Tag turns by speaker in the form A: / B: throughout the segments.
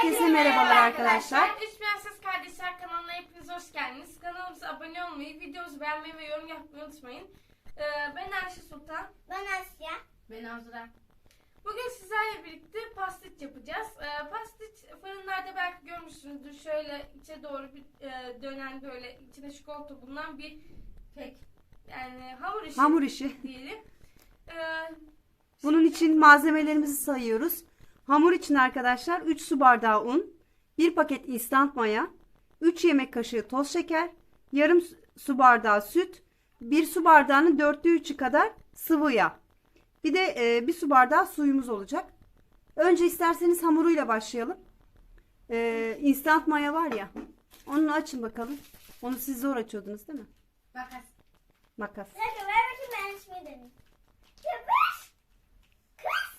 A: Herkese merhabalar arkadaşlar.
B: Üç Prenses Kardeşler kanalına hepiniz hoş geldiniz. Kanalımıza abone olmayı, videomuzu beğenmeyi ve yorum yapmayı unutmayın. Ben Ayşe Sultan.
C: Ben Asya.
D: Ben Azra.
B: Bugün sizlerle birlikte pastiç yapacağız. Pastiç fırınlarda belki görmüşsünüzdür. Şöyle içe doğru bir dönen, böyle içine çikolata bulunan bir kek. Yani hamur işi diyelim.
A: Bunun için malzemelerimizi sayıyoruz. Hamur için arkadaşlar 3 su bardağı un, 1 paket instant maya, 3 yemek kaşığı toz şeker, yarım su bardağı süt, 1 su bardağının 4/3'ü kadar sıvı yağ. Bir de 1 su bardağı suyumuz olacak. Önce isterseniz hamuruyla başlayalım. Instant maya var ya, onu açın bakalım. Onu siz zor açıyordunuz değil mi? Makas.
C: Bir dakika ver bakayım ben ismi deneyim. Yapış. Kız.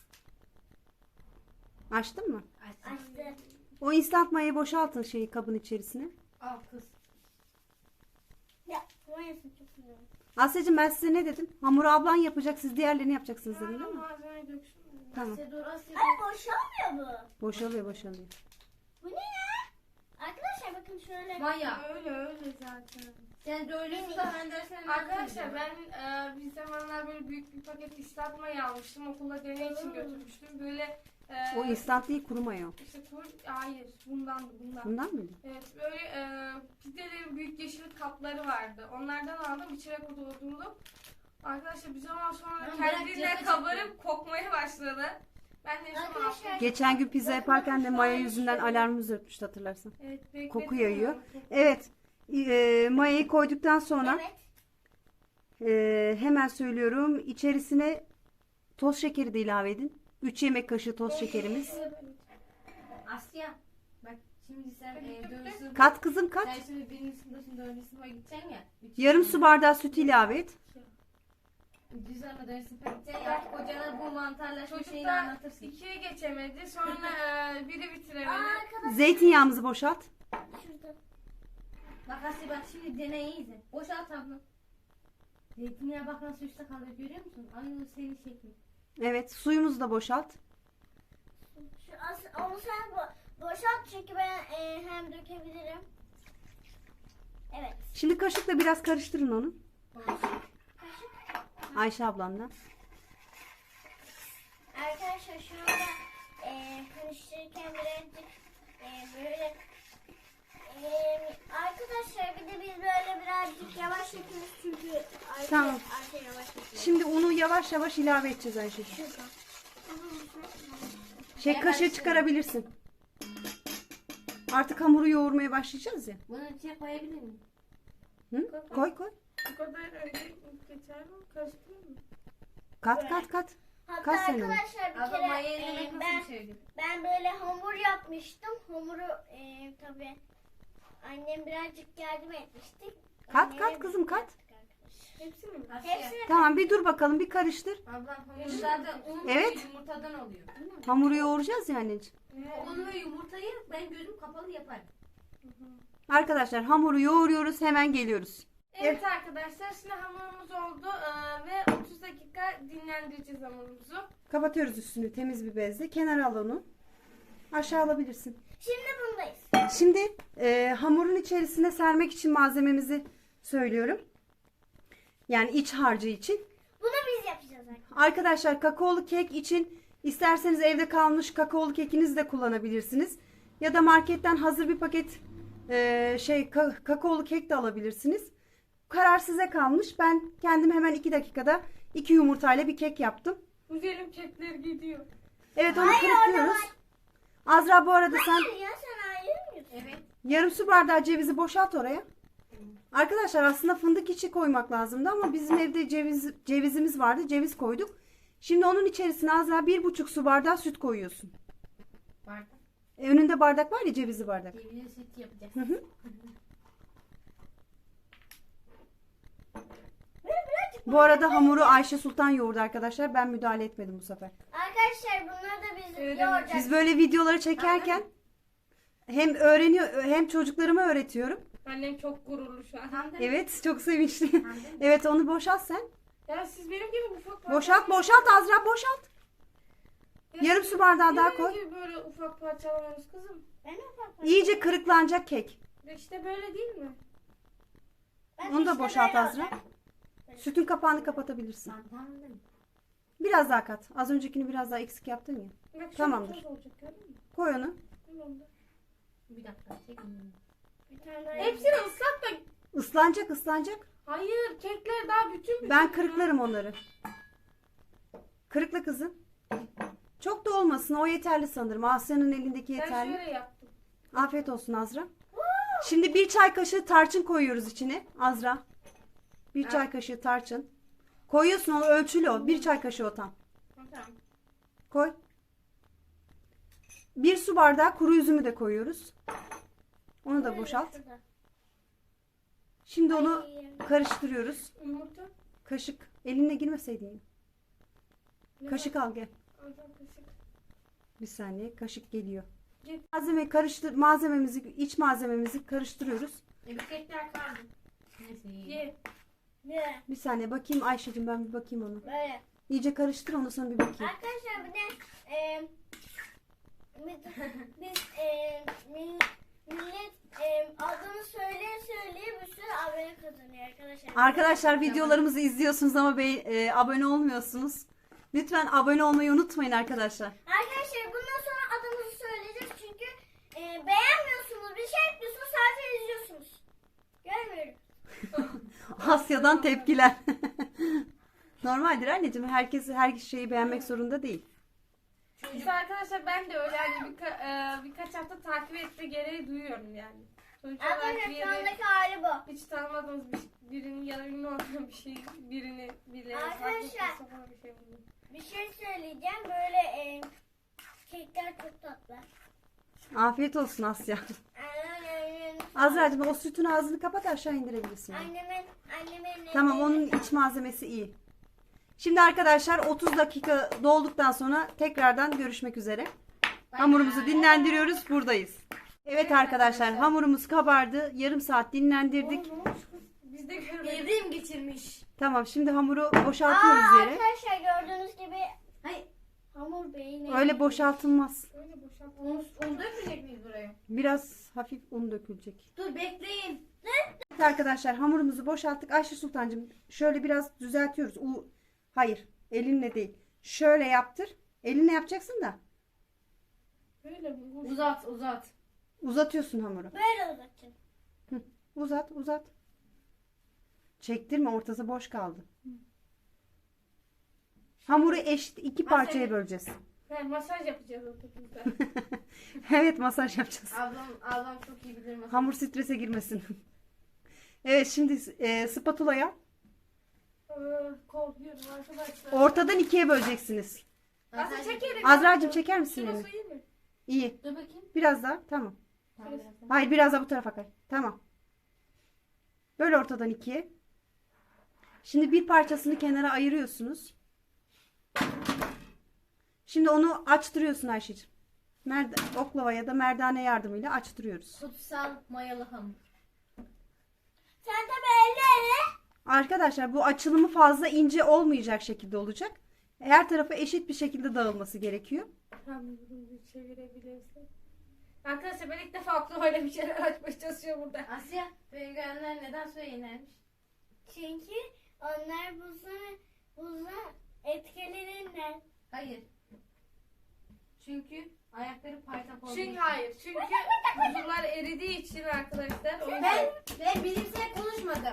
A: Açtın mı?
C: Açtı.
A: O instant mayayı boşaltın kabın içerisine.
D: Al kız.
C: Ya mayasını çok seviyorum.
A: Asya'cığım ben size ne dedim? Hamuru ablan yapacak, siz diğerlerini yapacaksınız dedim değil mi?
B: Malzemeyi döksün.
A: Tamam.
D: Asya dur Asya.
C: Ay boşalmıyor bu.
A: Boşalıyor.
C: Bu ne ya? Arkadaşlar bakın şöyle.
D: Maya.
B: Öyle zaten.
D: Sen de öyle mi ben dersen
B: Arkadaşlar ben bir zamanlar böyle büyük bir paket ıslatmayı almıştım. Okula deney için götürmüştüm. Böyle
A: O instant değil, kuru maya o.
B: işte hayır bundan.
A: Bundan mıydı?
B: Evet böyle pidelerin büyük yeşil kapları vardı. Onlardan aldım, içine doldurdum. Arkadaşlar bir zaman sonra
D: Ben
B: kendiliğinden
D: bırak,
B: kabarıp kokmaya başladı. Ben de
C: Arkadaşlar-
A: Geçen gün pizza yaparken de maya yüzünden alarmımız ötmüştü, hatırlarsan.
B: Evet, bekledim
A: Koku
B: ama
A: yayıyor.
B: çok-
A: Evet. Mayayı koyduktan sonra
C: Evet.
A: hemen söylüyorum. İçerisine toz şekeri de ilave edin. 3 yemek kaşığı toz şekerimiz.
D: Asya. Bak şimdi sen dönsün.
A: Kat kızım kat.
D: Sen şimdi birinci sınıftasın, dördüncü sınıfa gideceksin ya.
A: Yarım su bardağı süt ilave et.
D: Düz ama dördüncü sınıfa gideceksin ya. Artık hocana bu mantarlaşma şeyini
B: Çocuklar
D: anlatırsın.
B: 2'ye geçemedi. Sonra biri bitiremedi.
C: Arkadaşlar
A: Zeytinyağımızı boşalt.
C: şurada.
D: Bak Asya bak şimdi deneyi izle. Boşalt abla. Zeytinyağı bak nasıl üstte kalıyor görüyor musun? Aynı senin şekli.
A: Evet, suyumuzu da boşalt.
C: Onu sen boşalt çünkü ben hem dökebilirim. Evet.
A: Şimdi kaşıkla biraz karıştırın onu.
C: Kaşık.
A: Ayşe ablanla.
C: Arkadaşlar şu anda karıştırırken birazcık böyle arkadaşlar bir de biz böyle birazcık yavaş yapıyoruz çünkü
A: Tamam.
C: Ayşe yavaş yapıyor.
A: Şimdi unu yavaş yavaş ilave edeceğiz Ayşe'ciğim. Kaşığı çıkarabilirsin. Artık hamuru yoğurmaya başlayacağız ya.
D: Bunu içine koyabilir miyim?
A: Hı? Koy.
B: Bu kadar önce geçer mi? Karıştırıyor mu?
A: Kat.
C: Hatta
A: Kaç sene?
C: arkadaşlar bir
D: Abla maya
C: kere
D: elemek nasıl bir şeydi?
C: ben böyle hamur yapmıştım. Hamuru tabii annem birazcık yardım etmiştik.
A: Kat,
C: Annemle
A: kat kızım, kat.
C: yaptık arkadaşlar.
B: Hepsini mi?
D: Asya.
C: Hepsini
A: Tamam, bir dur bakalım, bir karıştır.
D: Ablam hamur zaten un
A: Evet.
D: ve yumurtadan oluyor.
A: Hamuru yoğuracağız ya anneciğim.
D: Un ve yumurtayı ben gözüm kapalı yaparım.
A: Arkadaşlar hamuru yoğuruyoruz, hemen geliyoruz.
B: Evet arkadaşlar, şimdi hamurumuz oldu ve 30 dakika dinlendireceğiz hamurumuzu.
A: Kapatıyoruz üstünü temiz bir bezle. Kenara al onu. Aşağı alabilirsin.
C: Şimdi bundayız.
A: Şimdi hamurun içerisine sermek için malzememizi söylüyorum. Yani iç harcı için.
C: Bunu biz yapacağız arkadaşlar.
A: Arkadaşlar kakaolu kek için isterseniz evde kalmış kakaolu kekinizi de kullanabilirsiniz. Ya da marketten hazır bir paket kakaolu kek de alabilirsiniz. Karar size kalmış. Ben kendim hemen 2 dakikada 2 yumurtayla bir kek yaptım.
B: Güzelim kekler gidiyor.
A: Evet, onu
C: Hayır,
A: kırıklıyoruz.
C: orada
A: Azra bu arada sen
C: Hayır ya sen ayırmıyorsun.
D: Evet.
A: yarım su bardağı cevizi boşalt oraya. Arkadaşlar aslında fındık içi koymak lazımdı ama bizim evde cevizimiz vardı. Ceviz koyduk. Şimdi onun içerisine Azra 1,5 su bardağı süt koyuyorsun.
D: Bardak.
A: Önünde bardak var ya, cevizli bardak.
D: Cevizli süt yapacağız.
A: Hı hı. Bu arada hamuru Ayşe Sultan yoğurdu arkadaşlar. Ben müdahale etmedim bu sefer.
C: Arkadaşlar bunları da biz
B: Evet,
C: yoğuracağız.
A: Biz böyle videoları çekerken hem öğreniyor hem çocuklarıma öğretiyorum.
B: Annem çok gururlu şu an.
D: Hamdi.
A: Evet, çok sevinçli. Evet, onu boşalt sen.
B: Ya siz benim gibi ufak
A: Boşalt Azra, boşalt. Yarım su bardağı daha
B: Yemek
A: koy.
B: gibi böyle ufak parçalamamız kızım.
C: Ben ufak
A: İyice kırıklanacak kek.
B: İşte böyle değil mi?
C: Ben
A: Onu da
C: işte
A: boşalt
C: böyle
A: Azra.
C: olacak.
A: Sütün kapağını kapatabilirsin.
D: Tamam değil mi?
A: Biraz daha kat. Az öncekini biraz daha eksik yaptın ya.
B: Bak şöyle
A: Tamamdır.
B: toz olacak gördün mü?
A: Koy onu.
B: Tamamdır.
D: Bir dakika çekin.
C: Bir tane daha
B: Hepsini ıslat da.
A: Islanacak ıslanacak.
B: Hayır, kekler daha bütün.
A: Ben kırıklarım onları. Kırıkla kızım. Çok da olmasın. O yeterli sanırım. Asya'nın elindeki
B: Ben
A: yeterli.
B: şöyle yaptım.
A: Afiyet olsun Azra. Şimdi bir çay kaşığı tarçın koyuyoruz içine. Azra. Bir çay kaşığı tarçın. Koyuyorsun onu ölçülü o. Bir çay kaşığı o tam.
B: Tamam.
A: Koy. Bir su bardağı kuru üzümü de koyuyoruz. Onu da boşalt.
C: şurada.
A: Şimdi onu
C: Ay.
B: Yumurta.
A: karıştırıyoruz. Kaşık. Elinle girmeseydin.
B: Ne
A: Kaşık al gel.
B: var? Alacağım kaşık.
A: Bir saniye. Kaşık geliyor.
B: Gel.
A: İç malzememizi karıştırıyoruz.
D: Bir kekler kaldı. Neyse iyi.
B: Ye.
C: Ne?
A: Bir saniye bakayım Ayşe'cim, ben bir bakayım onu.
C: Böyle.
A: İyice karıştır, ondan sonra bir bakayım.
C: Arkadaşlar bir de millet adını söyleye bir sürü abone kazanıyor arkadaşlar.
A: Arkadaşlar videolarımızı izliyorsunuz ama abone olmuyorsunuz. Lütfen abone olmayı unutmayın arkadaşlar.
C: Arkadaşlar bundan sonra adımızı söyleyeceğiz çünkü beğenmiyorsunuz, bir şey yapmıyorsunuz, sadece izliyorsunuz. Görmüyorum.
A: Asya'dan tepkiler. Normaldir anneciğim. Herkes her şeyi beğenmek zorunda değil.
B: İşte arkadaşlar ben de öyle yani birkaç hafta takip etme gereği duyuyorum yani. Sonuç olarak
C: Arkadaşlar
B: bir
C: şu
B: yere
C: andaki hali bu.
B: hiç tanımadığımız birini ya da ünlü olan bir şey birini bile
C: Arkadaşlar.
B: farklı falan bir şey buldum.
C: Bir şey söyleyeceğim, böyle kekler çok tatlı.
A: Afiyet olsun Asya. Azra'cığım o sütün ağzını kapat, aşağı indirebilirsin.
C: Annemin
A: Tamam, onun iç malzemesi iyi. Şimdi arkadaşlar 30 dakika dolduktan sonra tekrardan görüşmek üzere. Hamurumuzu dinlendiriyoruz, buradayız. Evet arkadaşlar, hamurumuz kabardı. Yarım saat dinlendirdik.
B: Oğlum, ne olmuş kız? Biz de görmedik.
D: Evrim geçirmiş.
A: Tamam, şimdi hamuru boşaltıyoruz yere.
C: Arkadaşlar gördüğünüz gibi
D: Hayır.
C: hamur beyni.
A: Öyle boşaltılmaz.
B: Öyle boşalt.
D: Un dökmeyecek miyiz buraya?
A: Biraz hafif un dökülecek.
D: Dur bekleyin.
A: Evet arkadaşlar, hamurumuzu boşalttık. Ayşe Sultancığım şöyle biraz düzeltiyoruz. Hayır, elinle değil. Şöyle yaptır. Elinle yapacaksın da.
B: Böyle mi?
D: Uzat.
A: Uzatıyorsun hamuru.
C: Böyle uzatacağım.
A: Uzat. Çektirme, ortası boş kaldı. Hamuru eşit iki parçaya böleceğiz.
B: Masaj yapacağız ortada.
A: Evet, masaj yapacağız.
D: Ablam çok iyi bilir masaj.
A: Hamur strese girmesin. Evet, şimdi spatula'ya
B: Korkuyorum arkadaşlar.
A: ortadan ikiye böleceksiniz.
B: Nasıl çekelim?
A: Azra'cığım çeker misin
B: Şurası
A: elini?
B: iyi mi?
A: İyi.
D: Dur bakayım.
A: Biraz daha. Tamam.
D: Tamam, biraz daha.
A: Hayır, biraz daha bu tarafa kay. Tamam. Böyle ortadan ikiye. Şimdi bir parçasını kenara ayırıyorsunuz. Şimdi onu açtırıyorsun Ayşe'ciğim. Oklava ya da merdane yardımıyla açtırıyoruz.
D: Kutsal mayalı hamur.
C: Sen tabii elleri.
A: Arkadaşlar bu açılımı fazla ince olmayacak şekilde olacak. Her tarafa eşit bir şekilde dağılması gerekiyor.
B: Hamurunu bir çevirebilirsek. Arkadaşlar ben ilk defa aklıma öyle bir şeyler açmaya çalışıyor burada.
D: Asya, penguenler neden suya inermiş?
C: Çünkü onlar buzun etkilerinden.
D: Hayır. Çünkü ayakları paytak olduğu
B: Çünkü
D: için.
B: hayır. Çünkü buzullar eridiği için arkadaşlar. O yüzden
D: Ben bilimsel konuşmadım.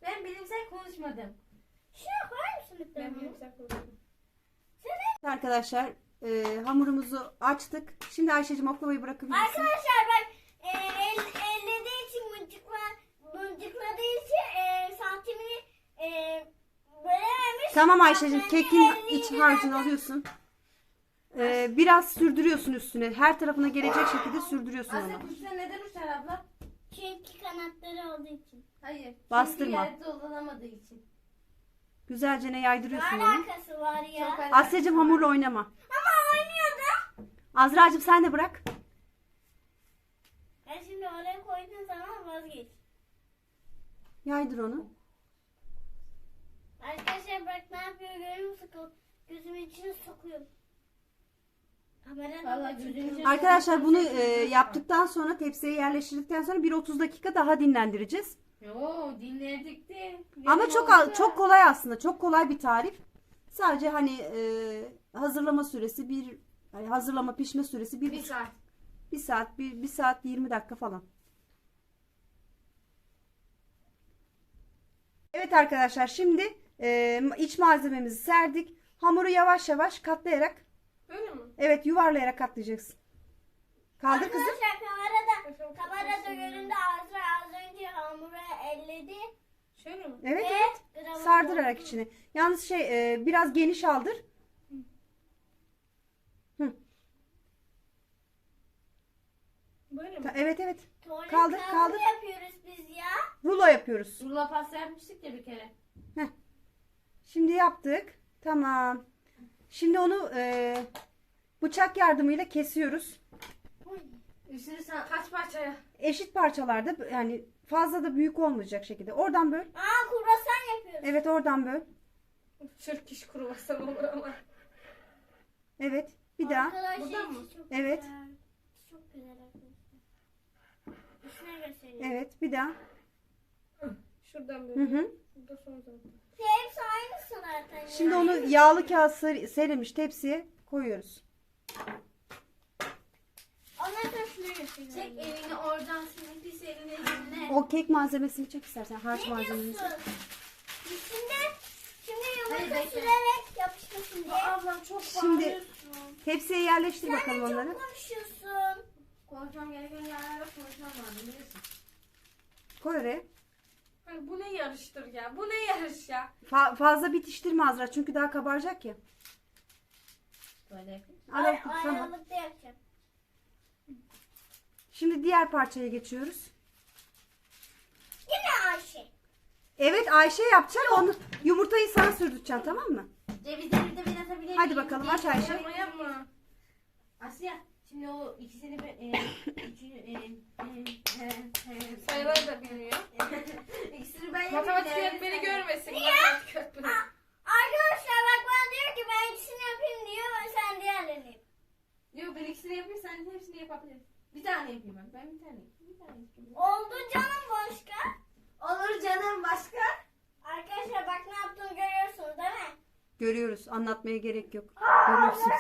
C: Şuraya koyar mısın
B: ben
C: lütfen?
B: bilimsel konuşuyorum.
A: Arkadaşlar hamurumuzu açtık. Şimdi Ayşe'cim oklavayı bırakabilirsin.
C: Arkadaşlar ben ellediği için mıncıkladığı için santimini bölememiş.
A: Tamam Ayşe'cim,
C: Ben
A: kekin
C: elliyi
A: iç harcını alıyorsun. Biraz sürdürüyorsun üstüne. Her tarafına gelecek şekilde sürdürüyorsun
D: Asya
A: onu.
D: kuşlar neden uçar abla?
C: Çünkü kanatları olduğu için.
D: Hayır.
A: Bastırma.
D: Çünkü yerde dolanamadığı için.
A: Güzelce ne yaydırıyorsun
C: Ne
A: onu.
C: alakası var ya?
D: Çok
A: Asya'cım hamurla oynama.
C: Ama oynuyordu.
A: Azra'cığım sen de bırak.
C: Ben şimdi oraya koyduğun zaman vazgeç.
A: Yaydır onu.
C: Arkadaşlar bak ne yapıyor görüyor musun? Gözümün içine sokuyor.
D: Vallahi gözünü
A: Arkadaşlar bunu yaptıktan sonra tepsiye yerleştirdikten sonra 1-30 dakika daha dinlendireceğiz.
D: Yo dinledik de.
A: Ama çok kolay aslında. Çok kolay bir tarif. Sadece hani hazırlama süresi hani hazırlama pişme süresi
B: Bir saat.
A: 1 saat 20 dakika falan. Evet arkadaşlar şimdi iç malzememizi serdik. Hamuru yavaş yavaş katlayarak,
B: Böyle mi?
A: evet, yuvarlayarak katlayacaksın. Kaldır kızım.
C: Arkadaşlar kamerada göründü Azra az önce hamuru elledi.
B: Şöyle mi?
A: Evet,
C: Ve
A: evet.
C: gramı
A: Sardırarak
C: doldu.
A: içine. Yalnız biraz geniş aldır.
B: Böyle mi?
A: Evet, evet.
C: Tuvalet
A: Kaldır,
C: kağıdı
A: kaldır.
C: yapıyoruz biz ya.
A: Rulo yapıyoruz.
D: Rulo pasta yapmıştık ya bir kere.
A: Şimdi yaptık. Tamam. Şimdi onu bıçak yardımıyla kesiyoruz.
D: Üstünü sen
B: Kaç parçaya?
A: Eşit parçalarda, yani fazla da büyük olmayacak şekilde. Oradan böl.
C: Kruvasan yapıyoruz.
A: Evet, oradan böl.
B: Türk iş kruvasan olur ama.
A: Evet. Bir daha.
C: Arkadaşlar
B: Buradan mı?
C: çok
A: Evet.
C: güzel. Çok güzel arkadaşlar. Üstüne göstereyim.
A: Evet. Bir daha.
B: Şuradan
A: Hı
B: böyle.
A: hı.
B: Burada son zaten.
C: Hepsi aynısı zaten.
A: Şimdi onu yağlı kağıt serilmiş tepsiye koyuyoruz.
C: Onları da şuna göstereyim.
D: çek elini oradan senin pis elini eline.
A: O kek malzemesini çek istersen. Harç
C: Ne
A: malzememizi.
C: diyorsun? Şimdi
D: Hayır,
C: yumurta
D: bekle.
C: sürerek yapışmasın diye.
D: Ablam çok
A: Şimdi
D: bağırıyorsun.
A: tepsiye yerleştir
C: Sen
A: bakalım
C: de
A: onları.
C: çok konuşuyorsun.
D: Konuşmam gereken yerlerde konuşmam lazım biliyorsun.
A: Koy oraya.
B: Hani bu ne yarıştır ya? Bu ne yarış ya?
A: Fazla bitiştirme Azra çünkü daha kabaracak ya.
D: Böyle yapayım.
A: Tamam.
C: Aralıkta yapacağım.
A: Şimdi diğer parçaya geçiyoruz.
C: Yine Ayşe.
A: Evet, Ayşe yapacak. Onu yumurtayı sana sürdüreceksin, tamam mı?
D: Cevizleri de ben atabilir miyim?
A: Hadi bakalım, aç Ayşe.
B: Yapma yapma.
D: Asya şimdi o ikisini
B: Sayıları da bilmiyor.
D: İkisini ben yapayım.
B: Matematik
D: yani
B: öğretmeni
D: sen-
B: görmesin. Matematik öğretmeni.
C: Arkadaşlar bak bana diyor ki ben ikisini yapayım diyor ve sen diğerlerini yap.
D: Yok ben ikisini yapayım sen hepsini yapabilirsin. Bir tane yapayım ben. Ben bir tane yapayım. Bir tane yapayım.
C: Oldu canım başka.
D: Olur canım başka.
C: Arkadaşlar bak ne yaptığımı görüyorsunuz değil mi?
A: Görüyoruz. Anlatmaya gerek yok. Görüyorsunuz.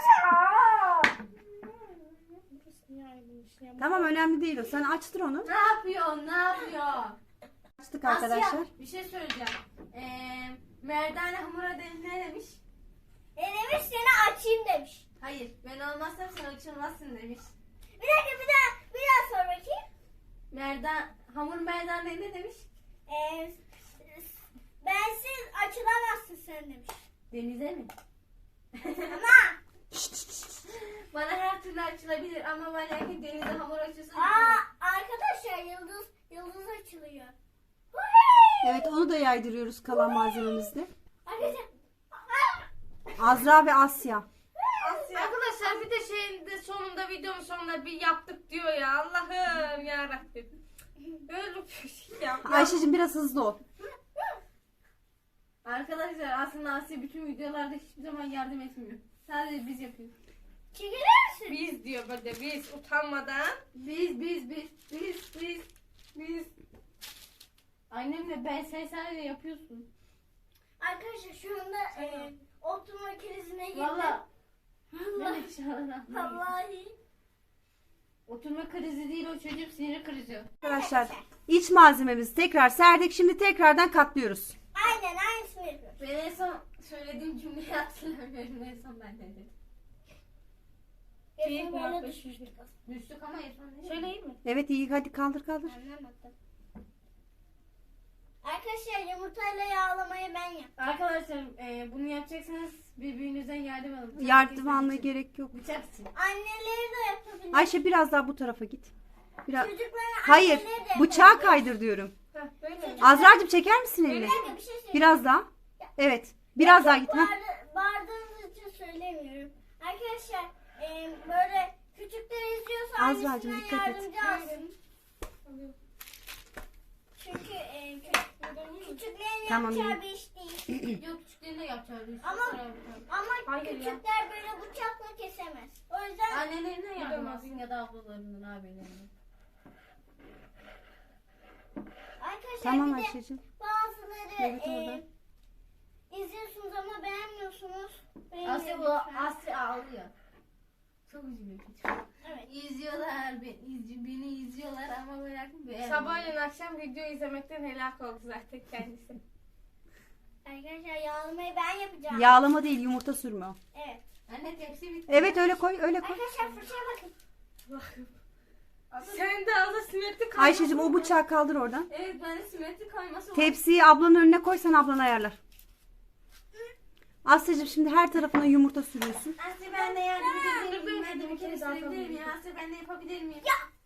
A: Tamam, önemli değil o. Sen açtır onu.
D: Ne yapıyor? Ne yapıyor?
A: Açtık arkadaşlar.
D: Asya bir şey söyleyeceğim. Merdane hamura ne demiş?
C: Demiş seni açayım demiş.
D: Hayır ben olmazsam sen açılmazsın demiş.
C: Bir dakika bir daha sor bakayım.
D: Hamur merdane ne demiş?
C: Bensiz açılamazsın sen demiş.
D: Denize mi?
C: Ama
D: Bana her türlü açılabilir ama ben erkek denize hamur açıyorsa
C: arkadaşlar yıldız açılıyor.
A: Evet, onu da yaydırıyoruz kalan malzememizle.
C: Arkadaşlar
A: Azra ve Asya.
B: Arkadaşlar bir de sonunda videonun sonunda bir yaptık diyor ya. Allah'ım yarabbim. Böyle bir şey ya.
A: Ayşe'cim biraz hızlı ol.
D: Arkadaşlar aslında Asya bütün videolarda hiçbir zaman yardım etmiyor. Sadece biz yapıyoruz.
C: çekilir misin?
B: Biz diyor böyle biz utanmadan.
D: Biz. Annemle ben sen sadece yapıyorsun.
C: Arkadaşlar şu anda oturma krizine girdim.
D: Valla.
C: Allah. Vallahi.
D: Oturma krizi değil o çocuk sinir krizi.
A: Arkadaşlar iç malzememizi tekrar serdik. Şimdi tekrardan katlıyoruz.
C: Aynen aynısını yapıyoruz.
D: Ben en son söylediğim cümleyi hatırlamıyorum. En son ben de dedim.
C: Hepsini böyle düşmüştük.
D: Düştük ama en son ne?
B: Söyleyeyim mi?
A: Evet, iyi, hadi kaldır.
C: Anlamadım. Arkadaşlar yumurtayla yağlamayı ben yaptım.
D: Arkadaşlar bunu yapacaksanız birbirinizden yardım alın. Bıçak
A: Yardım
D: kesmek
A: almaya
D: için.
A: gerek yok.
D: Bıçak için.
C: Anneleri de yapabilir.
A: Ayşe biraz daha bu tarafa git. Biraz.
C: Çocukların
A: Hayır,
C: anneleri de
A: bıçağı
C: yapabilir.
A: kaydır diyorum.
B: Heh, böyle mi?
A: Azra'cığım çeker misin elini?
C: Bir dakika bir şey söyleyeyim.
A: Biraz daha. Evet. Biraz daha git. Heh.
C: Bağırdığınız için söylemiyorum. Arkadaşlar böyle küçükler izliyorsa
A: Azra'cığım,
C: annesinden
A: dikkat et.
C: yardımcı alsın. Çünkü küçüklerin
A: Tamam,
C: yapacağı bir iş değil.
D: Yok küçüklerin de yapacağı bir iş.
C: Ama- Ama
B: Hayır ya.
C: küçükler böyle bıçakla kesemez. O yüzden
D: Annelerine yardım
B: Bilemez.
D: alsın ya da ablalarından, abilerinden.
C: arkadaşlar
A: Tamam
C: bir de
A: Ayşe'cim.
C: bazıları
A: Evet, orada.
C: izliyorsunuz ama beğenmiyorsunuz.
D: Asya bu
C: Beğeniyorum.
D: Asya ağlıyor. Çok üzülüyor küçük.
C: Evet.
D: İzliyorlar, beni izliyorlar ama merakım beğenmiyor.
B: Sabahleyin akşam video izlemekten helak oldu zaten kendisi.
C: Arkadaşlar yağlamayı ben yapacağım.
A: Yağlama değil, yumurta sürme o.
C: Evet.
D: Anne tepsi bitti.
A: Evet, öyle koy, öyle koy.
C: Arkadaşlar fırçaya bakın.
B: Bakın. Sen de ağza simetri kalmasın.
A: Ayşe'cim o bıçağı kaldır oradan.
D: Evet ben de simetri kayması var.
A: Tepsiyi ablanın önüne koy, sen ablan ayarlar. Asya'cığım şimdi her tarafına yumurta sürüyorsun.
D: Asya ben de yardım edebilir
B: Dur,
D: miyim?
B: dur,
D: Ben de bir
B: dur,
D: kere
B: zaten
D: sürebilir miyim?
B: dur.
D: Asya ben de yapabilir miyim?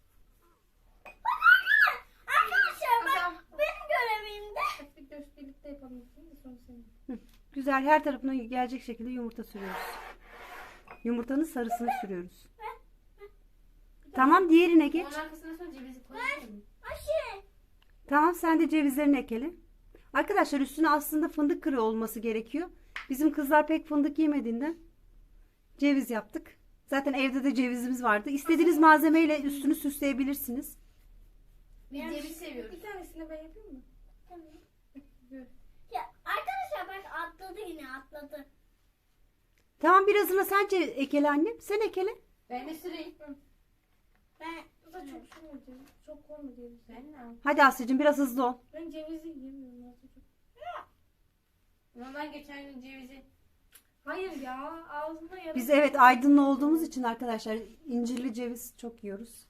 C: Arkadaşlar
B: Tamam.
C: benim görevimde.
B: Bir göz birlikte yapalım. Şimdi sonra senin.
A: Güzel, her tarafına gelecek şekilde yumurta sürüyoruz. Yumurtanın sarısını sürüyoruz. Tamam, diğerine geç.
D: Onun arkasına sonra cevizi koyabilir miyim?
C: Ayşe.
A: Tamam, sen de cevizlerini ekle. Arkadaşlar üstüne aslında fındık kırığı olması gerekiyor. Bizim kızlar pek fındık yemediğinden ceviz yaptık. Zaten evde de cevizimiz vardı. İstediğiniz malzemeyle üstünü süsleyebilirsiniz.
D: Biz ceviz seviyoruz.
B: Bir tanesini ben yapayım mı?
C: Tamam.
B: Gör.
C: Ya arkadaşlar bak atladı yine atladı.
A: Tamam, birazını sen ekele annem. Sen ekele.
D: Ben de süreyim.
C: Ben
B: Bu da çok sürme diyor. Çok koyma diyor.
D: Ben ne yapayım?
A: Hadi Asya'cığım biraz hızlı ol.
B: Ben cevizi yemiyorum aslında çok.
D: Ama ben geçen gün cevizi...
B: Hayır ya ağzımda yarım.
A: Biz evet Aydınlı olduğumuz için arkadaşlar incirli ceviz çok yiyoruz.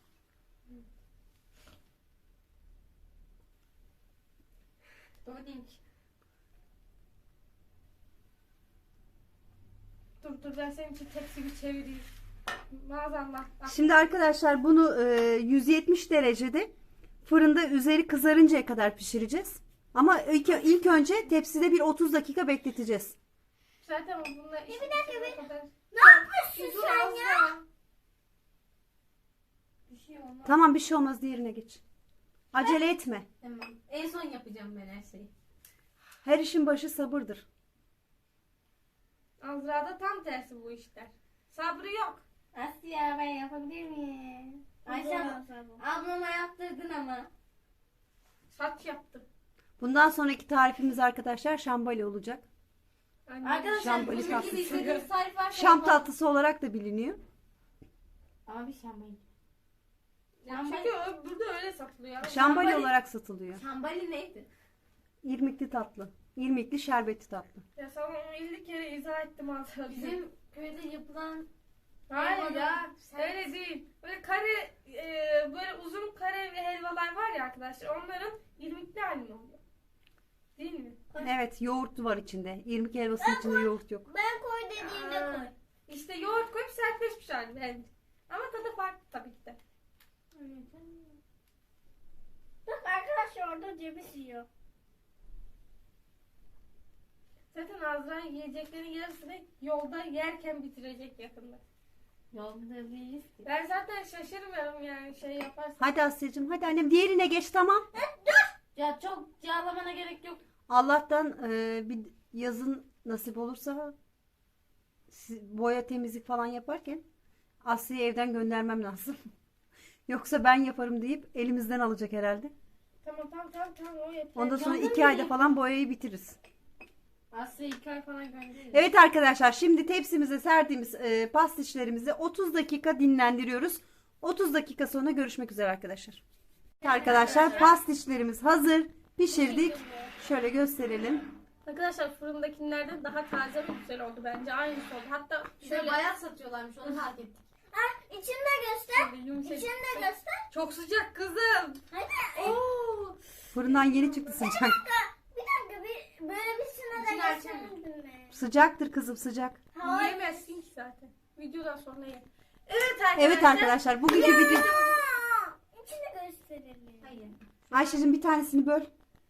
D: Doğru değil ki.
B: Dur ben senin için tepsi bir çevireyim. Maazallah. Ah,
A: Şimdi arkadaşlar bunu 170 derecede fırında üzeri kızarıncaya kadar pişireceğiz. Ama ilk önce tepside bir 30 dakika bekleteceğiz.
B: Zaten bununla işte
C: bir dakika,
B: pişene kadar.
C: ne yapmışsın
B: Dur
C: sen
B: az
C: ya?
B: daha.
D: Bir şey olmaz.
A: Tamam, bir şey olmaz, diğerine geç. Acele etme.
D: Tamam. En son yapacağım ben her şeyi.
A: Her işin başı sabırdır.
B: Azra'da tam tersi bu işler. Sabrı yok.
D: Asya ben yapabilir miyim? Ayşe ablama yaptırdın ama.
B: Saç yaptım.
A: Bundan sonraki tarifimiz arkadaşlar şambali olacak.
B: Annem.
D: Arkadaşlar
A: Şambali
D: bu
A: tatlısı.
D: şekilde istediğiniz tarif varsa
A: Şam
D: yapalım.
A: tatlısı olarak da biliniyor.
D: Abi şambali.
B: Çünkü burada öyle satılıyor.
A: Şambali olarak satılıyor.
D: Şambali neydi?
A: İrmikli tatlı. İrmikli şerbetli tatlı.
B: Ya sana onu 50 kere izah ettim Azra.
D: Bizim köyde yapılan
B: Hayır ya
D: Sen-
B: öyle değil. Böyle kare böyle uzun kare ve helvalar var ya arkadaşlar onların irmikli halinde oluyor. Değil mi?
A: Evet, yoğurt var içinde. İrmik helvasının içinde yoğurt yok.
C: Ben koy dediğimde
B: Aa.
C: koy.
B: İşte yoğurt koyup sertleşmiş hali bence. Ama tadı farklı tabii ki de.
C: Bak arkadaşlar orada ceviz yiyor.
B: Zaten Azra yiyeceklerin yarısını yolda yerken bitirecek yakında.
D: Yolda değiliz ki.
B: Ben zaten şaşırmıyorum yani şey yaparsan.
A: Hadi Asya'cığım, hadi annem diğerine geç, tamam.
D: Ya çok yağlamana gerek yok.
A: Allah'tan bir yazın nasip olursa boya temizlik falan yaparken Asya'yı evden göndermem lazım. Yoksa ben yaparım deyip elimizden alacak herhalde.
B: Tamam o yeter.
A: Ondan sonra
D: Yandın
A: 2
D: mı?
A: ayda falan boyayı bitiririz.
D: Asya 2 ay falan gönderir.
A: Evet arkadaşlar, şimdi tepsimize serdiğimiz pastişlerimizi 30 dakika dinlendiriyoruz. 30 dakika sonra görüşmek üzere arkadaşlar. Evet arkadaşlar, pastişlerimiz hazır. Pişirdik. Şöyle gösterelim.
B: Arkadaşlar fırındakilerden daha taze ve güzel oldu bence. Aynısı oldu. Hatta
D: Şöyle
B: şöyle
D: bayat satıyorlarmış onu fark ettik.
C: Ha, içinde göster.
B: şöyle yumuşacık.
C: İçinde göster.
B: Çok sıcak kızım.
C: Hadi.
B: Oo.
A: Fırından yeni çıktı sıcak.
C: Bir dakika böyle bir sene
D: İçini
C: de
D: açamıyorum.
C: göstermedin mi?
A: Sıcaktır kızım, sıcak.
C: Hayır.
B: Yiyemezsin ki zaten. Videodan sonra ye. Evet arkadaşlar.
A: Evet arkadaşlar, bugünkü video...
C: Aa, içini gösterelim.
D: Hayır.
A: Ayşe'cim bir tanesini böl.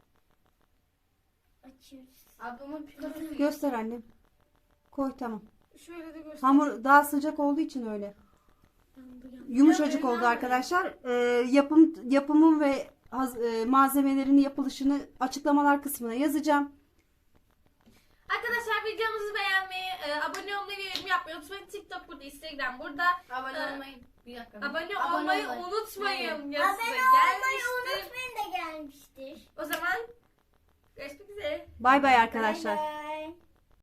C: Açıyoruz.
D: Ablamın püskürtü.
A: Göster annem. Koy, tamam.
B: Şöyle de göster.
A: Hamur daha sıcak olduğu için öyle. Yumuşacık oldu arkadaşlar. Yapımım ve malzemelerini, yapılışını açıklamalar kısmına yazacağım.
B: Arkadaşlar videomuzu beğenmeyi, abone olmayı ve yorum yapmayı unutmayın. TikTok burada, Instagram burada.
D: Abone
B: Ee,
D: olmayı. Bir dakika.
B: Abone
D: Abone
B: olmayı
D: olmayı.
B: unutmayın. Ya
C: Abone
B: size
C: olmayı
B: gelmiştir.
C: unutmayın da gelmiştir.
B: O zaman görüşmek üzere.
A: Bay bay
C: Bay
A: arkadaşlar.
C: bay.